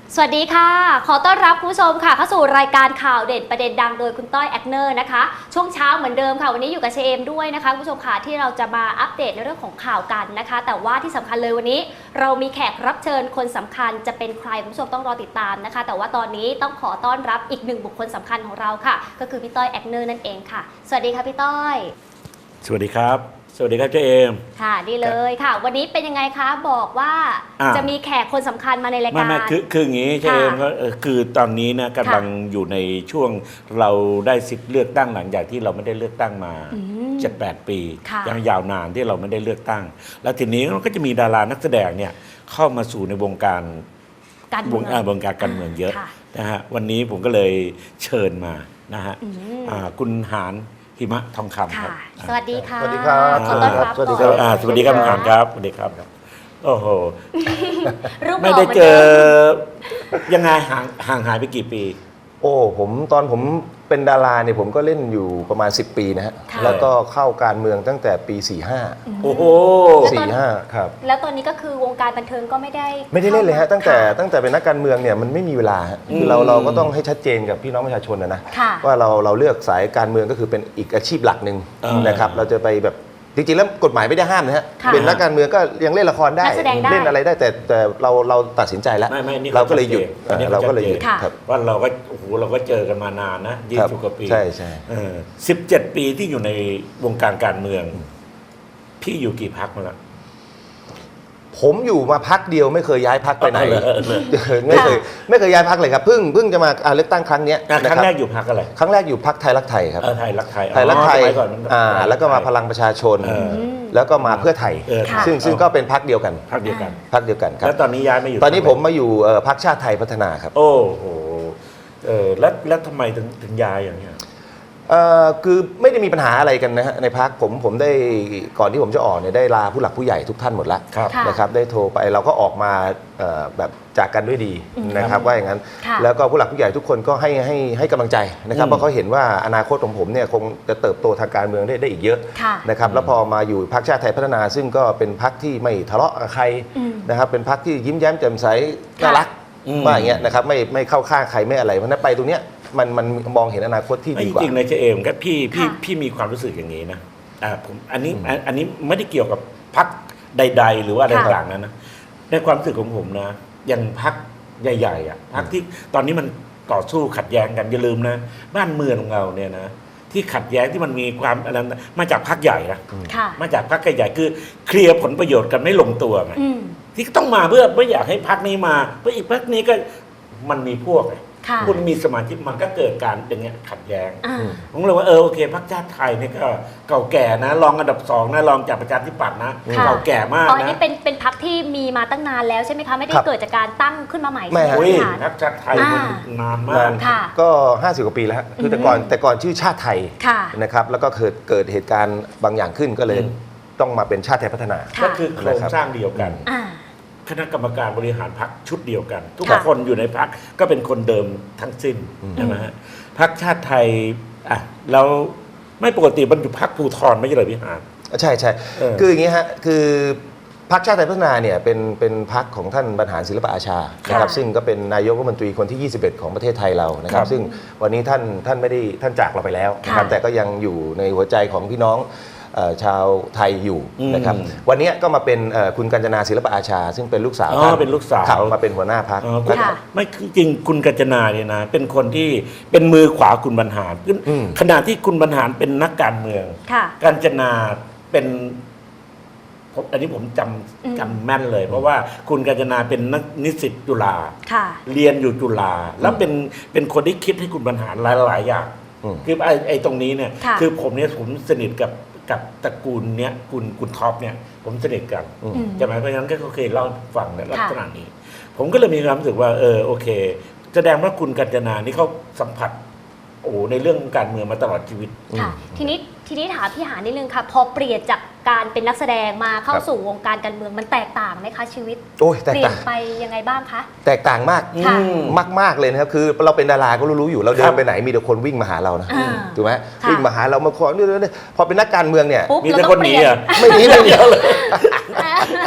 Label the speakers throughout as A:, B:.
A: สวัสดีค่ะขอต้อนรับคุณผู้ชมค่ะเข้าสู่รายการข่าวเด่นประเด็นดังโดยคุณต้อยแอคเนอร์นะคะช่วงเช้าเหมือนเดิมค่ะวันนี้อยู่กับเชมด้วยนะคะคุณผู้ชมค่ะที่เราจะมาอัปเดตในเรื่องของข่าวกันนะคะแต่ว่าที่สำคัญเลยวันนี้เรามีแขกรับเชิญคนสำคัญจะเป็นใครคุณผู้ชมต้องรอติดตามนะคะแต่ว่าตอนนี้ต้องขอต้อนรับอีกหนึ่งบุคคลสำคัญของเราค่ะก็คือพี่ต้อยแอคเนอร์นั่นเองค่ะสวัสดีค่ะพี่ต้อย
B: สวัสดีครับสวัสดีครับเจเอม
A: ค่ะดีเลยค่ะวันนี้เป็นยังไงคะบอกว่าจะมีแขกคนสำคัญมาในรายการ
B: ไม่คืออย่างนี้เจเอมก็คือตอนนี้นะกำลังอยู่ในช่วงเราได้สิทธิ์เลือกตั้งหลังจากที่เราไม่ได้เลือกตั้งมา7-8 ปียังยาวนานที่เราไม่ได้เลือกตั้งแล้วทีนี้ก็จะมีดารานักแสดงเนี่ยเข้ามาสู่ในวงการการเมืองเยอะนะฮะวันนี้ผมก็เลยเชิญมานะฮะคุณหานหิมะทองคำครับ
A: สวัสดีค่ะ
C: สวัสดีครับ
A: ขอต้อนรับ
B: สวัสดีครับสวัสดีครับคุณหานครับสวัสดีครับโอ้โห
A: ไม่
B: ได้เจอยังไงห่างหายไปกี่ปี
C: โอ้ตอนผมเป็นดาราเนี่ยผมก็เล่นอยู่ประมาณ10 ปีนะฮะแล้วก็เข้าการเมืองตั้งแต่ปี45
B: โอ้โห
C: 45ครับ
A: แล้วตอนนี้ก็คือวงการบันเทิงก็ไม่ได้
C: เล่นเลยฮะตั้งแต่เป็นนักการเมืองเนี่ยมันไม่มีเวลาคือเราก็ต้องให้ชัดเจนกับพี่น้องประชาชนนะว่าเราเลือกสายการเมืองก็คือเป็นอีกอาชีพหลักหนึ่งนะครับเราจะไปแบบจริงๆแล้วกฎหมายไม่ได้ห้ามนะฮะเป็นนักการเมืองก็ยังเล่นละครได้เล่นอะไรได้แต่เราตัดสินใจแล้วเราก็เลยหยุด
B: ว่าเราก็โอ้โหเราก็เจอกันมานานนะ20 กว่าปี
C: ใช่
B: 17 ปีที่อยู่ในวงการการเมืองพี่อยู่กี่พรรคมาแล้ว
C: ผมอยู่มาพักเดียวไม่เคยย้ายพักไปไหนไม่เคยย้ายพักเลยครับเพิ่งจะมาเลือกตั้งครั้งนี้
B: ครั้งแรกอยู่พักอะไร
C: ครั้งแรกอยู่พักไทยรักไทยครับ
B: ไทยรักไทย
C: แล้วก็มาพลังประชาชนแล้วก็มาเพื่อไทยซึ่งก็เป็นพักเดียวกันครับ
B: แล้วตอนนี้ย้ายมาอยู่
C: ตอนนี้ผมมาอยู่พักชาติไทยพัฒนาครับ
B: โอ้โหแล้วทำไมถึงย้ายอย่างเงี้ย
C: คือไม่ได้มีปัญหาอะไรกันนะฮะในพักผมได้ก่อนที่ผมจะออกเนี่ยได้ลาผู้หลักผู้ใหญ่ทุกท่านหมดแล้วนะครับได้โทรไปเราก็ออกมาแบบจากกันด้วยดีนะครับว่าอย่างนั้นแล้วก็ผู้หลักผู้ใหญ่ทุกคนก็ให้กำลังใจนะครับเพราะเขาเห็นว่าอนาคตของผมเนี่ยคงจะเติบโตทางการเมืองได้อีกเยอะนะครับแล้วพอมาอยู่พรรคชาติไทยพัฒนาซึ่งก็เป็นพรรคที่ไม่ทะเลาะกับใครนะครับเป็นพรรคที่ยิ้มแย้มแจ่มใสน่ารักว่าอย่างเงี้ยนะครับไม่เข้าข้างใครไม่อะไรเพราะนั้นไปตรงเนี้ยมันมองเห็นอนาคตที่ดีกว่า
B: จริงๆในเจเอมครับพี่มีความรู้สึกอย่างนี้นะผมอันนี้ไม่ได้เกี่ยวกับพรรคใดๆหรือว่าอะไรต่างๆนะในความรู้สึกของผมนะอย่างพรรคใหญ่ๆอ่ะพรรคที่ตอนนี้มันต่อสู้ขัดแย้งกันอย่าลืมนะบ้านเมืองของเราเนี่ยนะที่ขัดแย้งที่มันมีความอะไรมาจากพรรคใหญ่นะมาจากพรรคใหญ่คือเคลียร์ผลประโยชน์กันไม่ลงตัวไงที่ต้องมาเพื่อไม่อยากให้พรรคนี้มาเพราะอีกพรรคนี้ก็มันมีพวกคุณมีสมาธิมันก็เกิดการอย่างเงี้ยขัดแย้งผมเลยว่าโอเคพรรคชาติไทยเนี่ยก็เก่าแก่นะรองอันดับ2นะรองจากประชาธิปัตย์นะเก่าแก่มากนะ
A: อันนี้เป็นพรรคที่มีมาตั้งนานแล้วใช่ไหมคะไม่ได้เกิดจากการตั้งขึ้นมาใหม่ใช่
C: ไหม
B: พรรคชาติไทยมันนานมาก
C: ก็50 กว่าปีแล้วคือแต่ก่อนชื่อชาติไทยนะครับแล้วก็เกิดเหตุการณ์บางอย่างขึ้นก็เลยต้องมาเป็นชาติไทยพัฒนา
B: ก็คือโครงสร้างเดียวกันคณะกรรมการบริหารพรรคชุดเดียวกันทุกคนอยู่ในพรรคก็เป็นคนเดิมทั้งสิ้นใช่ไหมฮะพรรคชาติไทยแล้วไม่ปกติมันอยู่พรรคภูธรไม่ใช่เหรอพี่หาน
C: ใช่คืออย่างนี้ฮะคือพรรคชาติไทยพัฒนาเนี่ยเป็นพรรคของท่านบรรหารศิลปอาชานะครับซึ่งก็เป็นนายกรัฐมนตรีคนที่21ของประเทศไทยเรานะครับซึ่งวันนี้ท่านไม่ได้ท่านจากเราไปแล้วนะครับแต่ก็ยังอยู่ในหัวใจของพี่น้องชาวไทยอยู่นะครับวันนี้ก็มาเป็นคุณกัญจนาศิลปอาชาซึ่งเป็นลูกสาว
B: เป็นลูกสาว
C: มาเป็นหัวหน้าพรรค
B: ไม่จริงคุณกัญจนาเนี่ยนะเป็นคนที่เป็นมือขวาคุณบรรหารขณะที่คุณบรรหารเป็นนักการเมืองกัญจนาเป็นอันนี้ผมจำแม่นเลยเพราะว่าคุณกัญจนาเป็นนักนิสิตจุฬาเรียนอยู่จุฬาแล้วเป็นคนที่คิดให้คุณบรรหารหลายๆอย่างคือไอ้ตรงนี้เนี่ยคือผมสนิทกับตระกูลเนี้ยคุณท็อปเนี่ยผมสนิทกันใช่ไหมเพราะฉะนั้นก็เคยเล่าฟังในลักษณะนี้ผมก็เลยมีความรู้สึกว่าโอเคแสดงว่าคุณกัญจนานี่เขาสัมผัสในเรื่องการเมืองมาตลอดชีวิต
A: ค่ะทีนี้ถามพี่หานิดนึงค่ะพอเปลี่ยนจากการเป็นนักแสดงมาเข้าสู่วงการการเมืองมันแตกต่างไหมคะชีวิตเปลี่ยนไปยังไงบ้างคะ
C: แตกต่างมากมากเลยนะครับคือเราเป็นดาราก็รู้อยู่เราเดินไปไหนมีแต่คนวิ่งมาหาเรานะถูกไหมวิ่งมาหาเรามาขอนี่พอเป็นนักการเมืองเนี่ย
B: มีแต่คนหนี
C: ไม่หนีเลย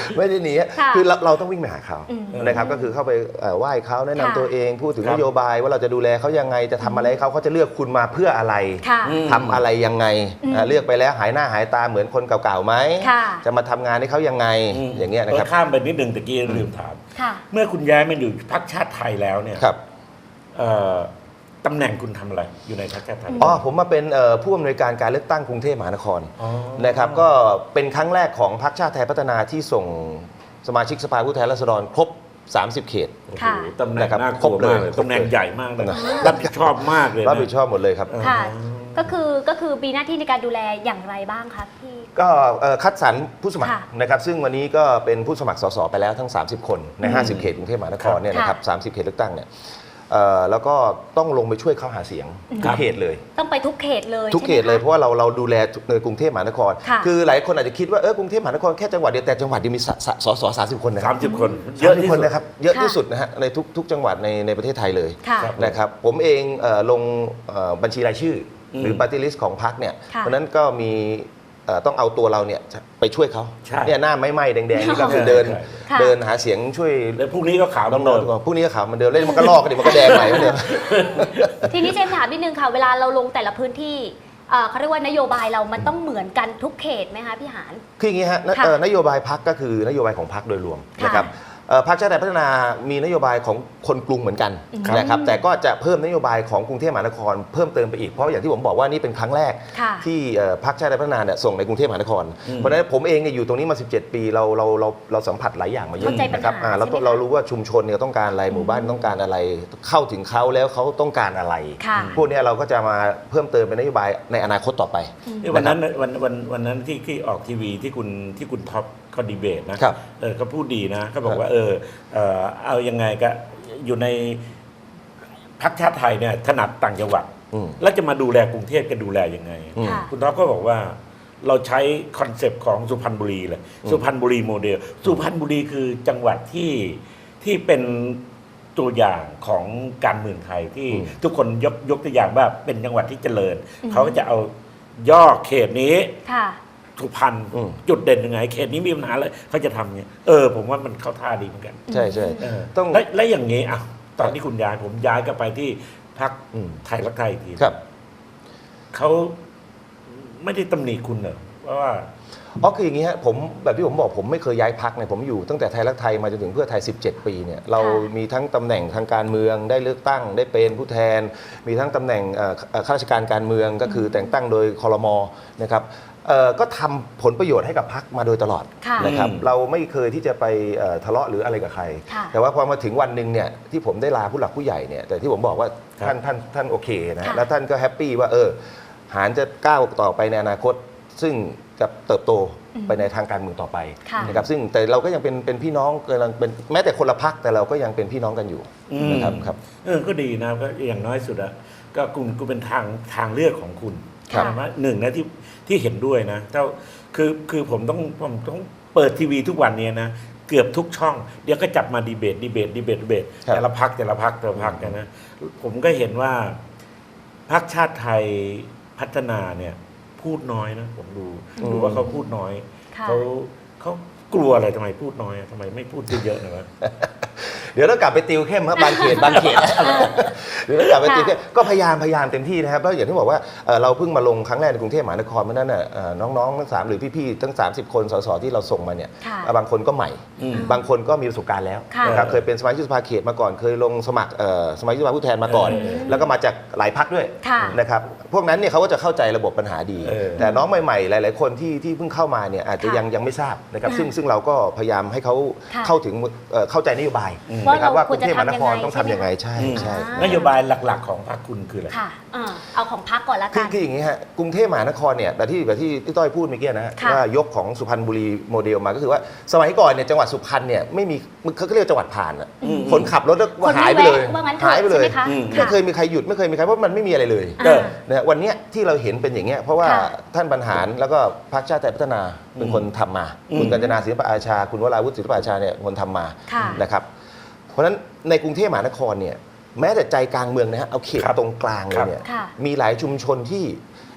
C: ไม่ได้หนี
A: ค่ะ
C: คือเราต้องวิ่งไปหาเขา
A: อืม
C: นะครับก็คือเข้าไปไหว้เขาแนะนำ
A: ค่ะ
C: ตัวเองพูดถึง
B: ครั
C: น
B: บ
C: โยบายว่าเราจะดูแลเขายังไงจะทำอะไรให้เขาจะเลือกคุณมาเพื่ออะไร
A: ค่ะ
C: ทำอะไรยังไง
A: อืม
C: เลือกไปแล้วหายหน้าหายตาเหมือนคนเก่าๆไหม
A: ค่ะ
C: จะมาทำงานให้เขายังไงอย่างเงี้ยนะครับ
B: ข้ามไปนิดนึงตะกี้ลืมถาม
A: ค่ะ
B: เมื่อคุณย้ายมาอยู่พรรคชาติไทยแล้วเนี่ย
C: ครับ
B: เอ่อตำแหน่งคุณทำอะไรอยู่ในพรรคชาติไทย
C: อ๋อผมมาเป็นผู้อำนวยการการเลือกตั้งกรุงเทพมหานคร
B: อ๋อ
C: นะครับก็เป็นครั้งแรกของพรรคชาติไทยพัฒนาที่ส่งสมาชิกสภาผู้แทนราษฎรครบ 30 เขต
B: โอ้โห
A: ค่ะ
B: ตำแหน่ง
C: นะครับ
B: น่าก
C: คร
B: ลั
C: บ
B: ว
C: เลย
B: มากเลย
C: ครบเลย
B: ตำแหน่งใหญ่มากเลย
C: นะ
B: รับผิดชอบมากเลยนะ
C: รับผิดชอบหมดเลยครับ
A: ค่ะ ก็คือมีหน้าที่ในการดูแลอย่างไรบ้างคะพี่
C: ก็คัดสรรผู้สมัคร
A: ค่ะ
C: นะครับซึ่งวันนี้ก็เป็นผู้สมัครสสไปแล้วทั้ง 30 คนใน 50 เขตกรุงเทพมหานครเนี่ยนะครับ 30 เขตเลือกตั้งเนี่ยแล้วก็ต้องลงไปช่วยเขาหาเสียงทุกเขตเลย
A: ต้องไปทุกเขตเลย
C: ทุกเขตเลยเพราะว่าเราดูแลในกรุงเทพมหานคร
A: ค่ะ
C: คือหลายคนอาจจะคิดว่ากรุงเทพมหานครแค่จังหวัดเดียวแต่จังหวัดเดียวมีสส30 คนนะค
B: สา
C: รั
B: มสิบคน
C: เยอะที่สุด
B: สุ
C: นะครับเยอะที่สุดนะฮะในทุกจังหวัดในประเทศไทยเลย
A: ค่ะ
B: ครับ
C: นะครับผมเองลงบัญชีรายชื่ออ
B: ม
C: หรือปาร์ตี้ลิสต์ของพรรคเนี่ย
A: ค่ะ
C: เพราะฉะนั้นก็มีต้องเอาตัวเราเนี่ยไปช่วยเขา
B: ใช่
C: เนี่ยหน้าไหม้ๆแดงๆนี่ก็คือ
B: ใช่
C: เดิน
B: ใช่
A: ค่ะ
C: เดินหาเสียงช่วย
B: แล้วพรุ่งนี้ก็ขาว
C: น้
B: เดิ
C: อง
B: ม
C: ๆพวกนี้ก็ขาวเหมันเดิมเล่นมันก็ลอกกันดิมันก็แดงใหม่เหมือนเดิม
A: ทีนี้เจมส์ถามนิดนึงค่ะ เวลาเราลงแต่ละพื้นที่เขาเรียกว่านโยบายเรามันต้องเหมือนกันทุกเขตไหมคะพี่หาน
C: คืออย่างนี้ฮะ
A: ค่ะ
C: นโยบายพรรคก็คือนโยบายของพรรคโดยรวม
A: ค่ะ
C: นะครับพรรคชาติไทยพัฒนามีนโยบายของคนกรุงเหมือนกัน
A: ครับ
C: นะครับแต่ก็จะเพิ่มนโยบายของกรุงเทพมหานครเพิ่มเติมไปอีกเพราะอย่างที่ผมบอกว่านี่เป็นครั้งแรก
A: ค่ะ
C: ที่พรรคชาติไทยพัฒนาเนี่ยส่งในกรุงเทพมหานคร เพราะฉะนั้นผมเองเนี่ยอยู่ตรงนี้มา 17 ปีเราสัมผัสหลายอย่างมาเยอะ
A: เข้าใจปัญหา
C: นะครับเรา
A: ใช่ไหมคะ
C: เรารู้ว่าชุมชนเนี่ยต้องการอะไรหมู่บ้านต้องการอะไร เข้าถึงเขาแล้วเขาต้องการอะไร
A: ค่ะ
C: พวกเนี้ยเราก็จะมาเพิ่มเติมเป็นนโยบายในอนาคตต่อไป
B: วันนั้นวันนั้นที่ออกทีวีที่คุณท็อปเขาดีเบตนะครับ เขาพูดดีนะเขาบอกว่าเอายังไงก็อยู่ในพรรคชาติไทยเนี่ยถนัดต่างจังหวัด
C: อืม
B: แล้วจะมาดูแลกรุงเทพจะดูแลยังไง
C: อืม
A: ค่ะ
B: คุณท็อปก็บอกว่าเราใช้คอนเซปต์ของสุพรรณบุรีเลยสุพรรณบุรีโมเดลสุพรรณบุรีคือจังหวัดที่เป็นตัวอย่างของการเมืองไทยที่
C: อืม
B: ทุกคนยกตัวอย่างว่าเป็นจังหวัดที่เจริญ
A: อืม
B: เขาก็จะเอาย่อเขตนี้
A: ค่ะ
B: สุพรรณ
C: อืม
B: จุดเด่นยังไง เขตนี้มีปัญหาอะไรเขาจะทำเงี้ยผมว่ามันเข้าท่าดีเหมือนกัน
C: ใช่ใช่ ต้อง
B: และอย่างนี้อ่ะตอนที่คุณย้ายผมย้ายก็ไปที่พรรค
C: อืม
B: ไทยรักไทยอีกที
C: ครับ
B: เขาไม่ได้ตำหนิคุณเหรอเพราะว่า
C: อ๋อคืออย่างนี้ฮะผมแบบที่ผมบอกผมไม่เคยย้ายพักเนี่ยผมอยู่ตั้งแต่ไทยรักไทยมาจนถึงเพื่อไทย 17 ปีเนี่ยเรามีทั้งตำแหน่งทางการเมืองได้เลือกตั้งได้เป็นผู้แทน มีทั้งตำแหน่งข้าราชการการเมืองก็คือแต่งตั้งโดยครมนะครับก็ทำผลประโยชน์ให้กับพักมาโดยตลอด
A: ค่ะ
C: นะครับ
B: อืม
C: เราไม่เคยที่จะไปทะเลาะหรืออะไรกับใคร
A: ค่ะ
C: แต่ว่าพอมาถึงวันหนึ่งเนี่ยที่ผมได้ลาผู้หลักผู้ใหญ่เนี่ยแต่ที่ผมบอกว่า
B: ครับ
C: ท่านโอเคนะ
A: ค่ะ
C: แล้วท่านก็แฮปปี้ว่าหารจะก้าวต่อไปในอนาคต ซึ่งจะเติบโตไปในทางการเมืองต่อไป
A: ค่ะ
C: นะครับซึ่งแต่เราก็ยังเป็นพี่น้องกำลังเป็นแม้แต่คนละพักแต่เราก็ยังเป็นพี่น้องกันอยู่นะครับครับ
B: ก็ดีนะก็อย่างน้อยสุดอะก็คุณเป็นทางเลือกของคุณ
A: ครับ
B: ว่าหนึ่งนะที่เห็นด้วยนะคือผมต้องเปิดทีวีทุกวันเนี้นะเกือบทุกช่อง เดี๋ยวก็จับมาดีเบต
C: ครับ
B: แต่ละพักกันนะผมก็เห็นว่าพรรคชาติไทยพัฒนาเนี่ยพูดน้อยนะผมดูว่าเขาพูดน้อย
A: ค่ะ
B: เขากลัวอะไรทำไมพูดน้อยทำไมไม่พูดเยอะๆหน่อยวะ
C: เดี๋ยวเรากลับไปติวเข้มครับบางเขตเดี๋ยวเรากลับไปติวเข้มก็พยายามเต็มที่นะครับแล้วอย่างที่บอกว่าเราเพิ่งมาลงครั้งแรกในกรุงเทพมหานครเพราะฉะนั้นน่ะน้องๆทั้ง3หรือพี่ๆทั้ง30 คนสสที่เราส่งมาเนี่ย
A: ค่ะ
C: บางคนก็ใหม่
B: อืม
C: บางคนก็มีประสบการณ์แล้ว
A: ค่ะ
C: นะครับเคยเป็นสมาชิกสภาเขตมาก่อนเคยลงสมัครสมาชิกสภาผู้แทนมาก่อน แล้วก็มาจากหลายพรรคด้วย
A: ค่ะ
C: นะครับพวกนั้นเนี่ยเขาก็จะเข้าใจระบบปัญหาดี แต่น้องใหม่ๆหลายๆคนที่เพิ่งเข้ามาเนี่ยอาจจะ
A: ค่ะ
C: ยังไม่ทราบนะครับ
A: ค่ะ
C: ซึ่งเราก็พยายามให้เขา
A: ค่ะ
C: เข้าถึงเข้าใจนโยบาย
A: ว่า
C: นะครับ
A: เรา
C: ว่ากรุงเทพมหานคร
A: ควรจะทำยังไง
C: ต้องทำยังไงใช่
B: อืม
C: ใช่
B: นโยบายหลักๆของพรรคคุณคืออะไร
A: ค่ะเอาของพักก่อนละ
C: คื
A: กั
C: อน คืออย่างนี้ฮะกรุงเทพมหานครเนี่ยแบบที่ต้อยพูดเมื่อกี้นะฮะ
A: ค่ะ
C: ว่ายกของสุพรรณบุรีโมเดลมาก็คือว่าสมัยก่อนเนี่ยจังหวัดสุพรรณเนี่ยไม่มีเขาเรียกจังหวัดผ่านอะคนขับรถแล้ว
A: คนไม่
C: หายไปเลย
A: แวะว่างั้นเถอะ
C: หายไปเลย
A: ใช่ไหมคะ
C: ไม่เคยมีใครหยุดไม่เคยมีใครเพราะมันไม่มีอะไรเลย
B: เออ
C: นะฮะวันเนี้ยที่เราเห็นเป็นอย่างเงี้ยเพราะว่า
A: ค่ะ
C: ท่านบรรหารแล้วก็พรรคชาติไทยพัฒนาเป็นคนทำมา คุณกัญจนาศิลปอาชา คุณวราวุฒิศิลปอาชาเนี่ยคนทำมา
A: ค่ะ
C: นะครับเพราะฉะนั้นในกรุงเทพมหานครเนี่ยแม้แต่ใจกลางเมืองนะฮะเอาเขต
B: ครับ
C: ตรงกลางเลยเนี่ย
A: ค่ะ
C: มีหลายชุมชนที่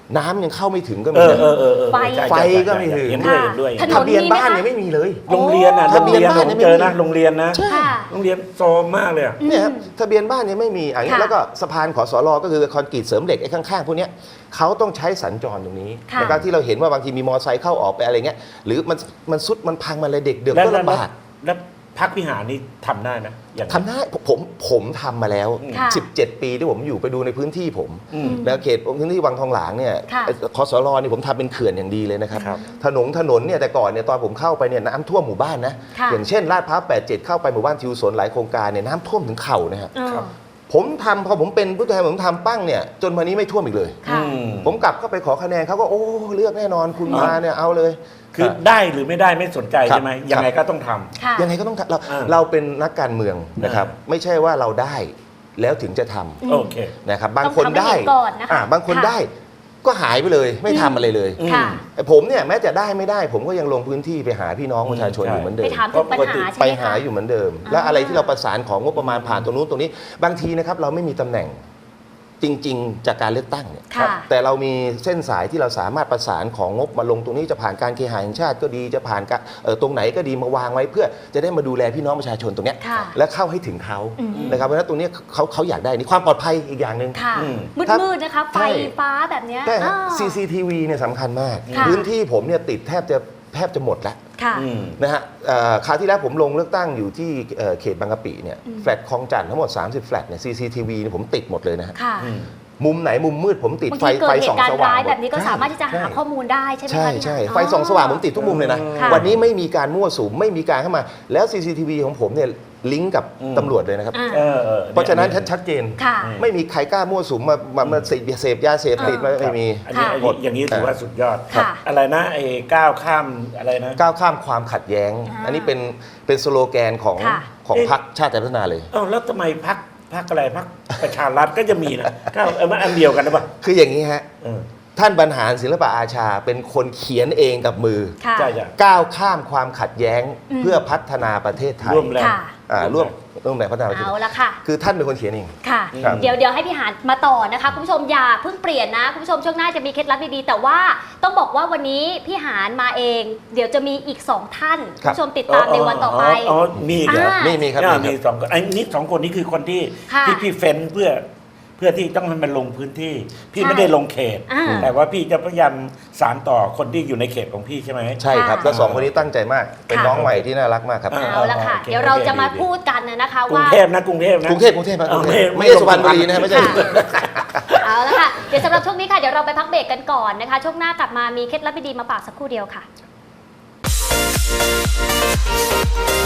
C: น้ำยังเข้าไม่ถึงก็
B: เอ
C: มี
B: อ
C: นะ
B: ใช่
C: ไฟ
B: ใช่
C: ก็ไม่ถึง
B: เห็นด้วยเห็นด้วย
A: ถน
C: ทะเบียนบ้านยังไม่มีเลย
B: โรงเรียนอ่ะ
C: ทะเบียนบ้าน
B: ผม
C: ยังไม่
B: เจอ
C: มี
B: นะโรงเรียนนะ
A: ค่ะ
B: โรงเรียนโซมมากเลยอะ
C: เนี่ยครับทะเบียนบ้านยังไม่มีอย่างนี้
A: ค่ะ
C: แล้วก็สะพานขสรก็คือคอนกรีตเสริมเหล็กไอ้ข้างๆพวกเนี้ยเขาต้องใช้สัญจรตรงนี้
A: ค่ะ
C: นะครับที่เราเห็นว่าบางทีมีมอเตอร์ไซค์เข้าออกไปอะไรเงี้ยหรือมันซุดมันพังมาเลยเด็กเดือดก็ลำบาก
B: แล้วพักวิหารนี่ทำได้ไหมอย่าง
C: ทำได้ผมทำมาแล้ว
A: ค่ะ
C: 17 ปีที่ผมอยู่ไปดูในพื้นที่ผม
B: อืม
C: แล้วเขตพื้นที่วังทองหลางเนี่ย
A: ค่ะ
C: คสรนี่ผมทำเป็นเขื่อนอย่างดีเลยนะครับ
B: ครับ
C: ถนนเนี่ยแต่ก่อนเนี่ยตอนผมเข้าไปเนี่ยน้ำท่วมหมู่บ้านนะ
A: ค่ะ
C: อย่างเช่นลาดพร้าว87เข้าไปหมู่บ้านทิวสนหลายโครงการเนี่ยน้ำท่วมถึงเข่านะครับ
A: เออ
B: ครับ
C: ผมทำพอผมเป็นผู้แทนผมทำปั้งเนี่ยจนวันนี้ไม่ท่วมอีกเลย
A: ค่ะ
C: ผมกลับเข้าไปขอคะแนนเขาก็โอ้เลือกแน่นอนคุณมาเนี่ยเอาเลย
B: คือได้หรือไม่ได้ไม่สนใจ
C: ครับ
B: ใช่ไหมยังไงก็ต้องทำ
A: ค่ะ
C: ยังไงก็ต้องทำเรา
B: อ่า
C: เราเป็นนักการเมืองนะครับ ไม่ใช่ว่าเราได้แล้วถึงจะทำ
A: อืม
B: โอเค
C: นะครับบางคน
A: ต้องทำให้
C: ได้
A: เห็นก่อนนะคะ
C: บางคน
A: ค่ะ
C: ได้ก็หายไปเลยไม่ทำอะไรเลย
B: อืม
A: ค่ะ
C: ไอ้ผมเนี่ยแม้จะได้ไม่ได้ ผมก็ยังลงพื้นที่ไปหาพี่น้องประชาชน
B: ใช่
C: อยู่เหมือนเดิ
A: ไป
C: ม
A: ถามถึงปัญหาใช่
C: ไป
A: ไหม
C: หา
A: คะ
C: อยู่เหมือนเดิม
A: อ่า
C: และอะไรที่เราประสานของงบประมาณผ่านตรงนู้นตรงนี้ บางทีนะครับเราไม่มีตำแหน่งจริง ๆ จากการเลือกตั้งเนี่ย
A: ค่ะ
C: แต่เรามีเส้นสายที่เราสามารถประสานของงบมาลงตรงนี้จะผ่านการเคหะแห่งชาติก็ดีจะผ่านตรงไหนก็ดีมาวางไว้เพื่อจะได้มาดูแลพี่น้องประชาชนตรงเนี้ย
A: ค่ะ
C: และเข้าให้ถึงเขา
A: อืม
C: นะครับเพราะฉะนั้นตรงเนี้ยเขาอยากได้นี่ความปลอดภัยอีกอย่างหนึ่ง
A: ค่ะ
B: อืม
A: มืดๆนะคะ ไฟ
C: ใช่
A: ฟ้าแบบเนี้ย
C: ใช่ฮะ
A: อ่า
C: CCTV เนี่ยสำคัญมาก
A: ค่ะ
C: พื้นที่ผมเนี่ยติดแทบจะหมดแล้ว
A: ค่ะ
B: อืม
C: นะฮะคราวที่แล้วผมลงเลือกตั้งอยู่ที่เขตบางกะปิเนี่ยแฟลตคลองจันทร์ทั้งหมด 30 แฟลตเนี่ย CCTV เนี่ยผมติดหมดเลยนะฮะ
A: ค่ะ
B: อืม
C: มุมไหนมุมมืดผมติด
A: บาง
C: ไฟ
A: ทีเกิดเห
C: ส่อง
A: ตุการ
C: ส
A: ณ์
C: ว่าง
A: ร้าย
C: หมด
A: แบบนี้ก็สามารถที่จะหาข้อมูลได้ใช่ไหม
C: ใช่
A: คะพี่
C: ใช่
A: หาน
C: ไฟส่องสว่างผมติดทุกมุมเลยนะ
A: ค่ะ
C: วันนี้ไม่มีการมั่วสุมไม่มีการเข้ามา แล้ว CCTV ของผมเนี่ยลิงก์กับ
B: อืม
C: ตำรวจเลยนะครับ
A: อ่า
C: เพราะฉะนั้นชัดเจน
A: ค่ะ
C: ไม่มีใครกล้ามั่วสุมมาเสพยาเสพติดไม่มี
B: อันนี้
A: ค่ะ
B: อันนี้อย่างนี้ถือว่าสุดยอด
A: ค่ะ
B: อะไรนะไอ้ก้าวข้ามอะไรนะ
C: ก้าวข้ามความขัดแย้ง
A: อ่า
C: อันนี้เป็นสโลแกนของ
A: ค่ะ
C: พรรคชาติไทยพัฒนาเลย
B: เอ้าแล้วทำไมพักอะไรพักประชารัฐก็จะมีนะก้าวมันอันเดียวกันหรือเปล่า
C: คืออย่างนี้ฮะ
B: เออ
C: ท่านบรรหารศิลปะอาชาเป็นคนเขียนเองกับมือ
A: ค่ะ
B: ใช่ใช่
C: ก้าวข้ามความขัดแย้ง
A: อืม
C: เพื่อพัฒนาประเทศไทย
B: ร่วมแรง
A: ค่ะ
C: ร่วมแรงพัฒนาประเทศ
A: เอาละค่ะ
C: คือท่านเป็นคนเขียนเอง
A: ค่ะ
C: ครับ
A: เดี๋ยวให้พี่หานมาต่อนะคะคุณผู้ชมอย่าเพิ่งเปลี่ยนนะคุณผู้ชมช่วงหน้าจะมีเคล็ดลับดีๆแต่ว่าต้องบอกว่าวันนี้พี่หานมาเอง เดี๋ยวจะมีอีก 2 ท่านคุณผู้ชมติดตามในวันต่อไป
B: อ๋อมีอีกเหรอ
A: อ่า
C: มีครับ
B: มีสองคนไอ้นี่สองคนนี้คือคนที่
A: ค่ะ
B: ที่พี่เฟ้นเพื่อที่ต้องให้มันลงพื้นที่ พี่
A: ใช่
B: ไม่ได้ลงเขต
A: อ่า
B: แต่ว่าพี่จะพยายามสานต่อคนที่อยู่ในเขตของพี่ใช่ไหม
C: ใช่ครับ
A: ค่ะ
C: แล้วสองคนนี้ตั้งใจมาก เป็น
A: ค่ะ
C: น้องใหม่ที่น่ารักมากครับ
B: อ่า
A: เอาละค่ะ
B: โอเค
A: เดี๋ยวเราจะมา
B: โอเค
A: พูดกันนะคะ
B: กรุง
A: ว่า
B: เทพนะกรุงเทพนะ
C: กรุงเทพครับ
B: เออ
C: ไม่ใช่สุพรรณบุรีนะไม่ใช่
A: ค่ะ เอาละค่ะ เดี๋ยวสำหรับช่วงนี้ค่ะ เดี๋ยวเราไปพักเบรกกันก่อนนะคะ ช่วงหน้ากลับมามีเคล็ดลับดีๆมาฝากสักครู่เดียวค่ะ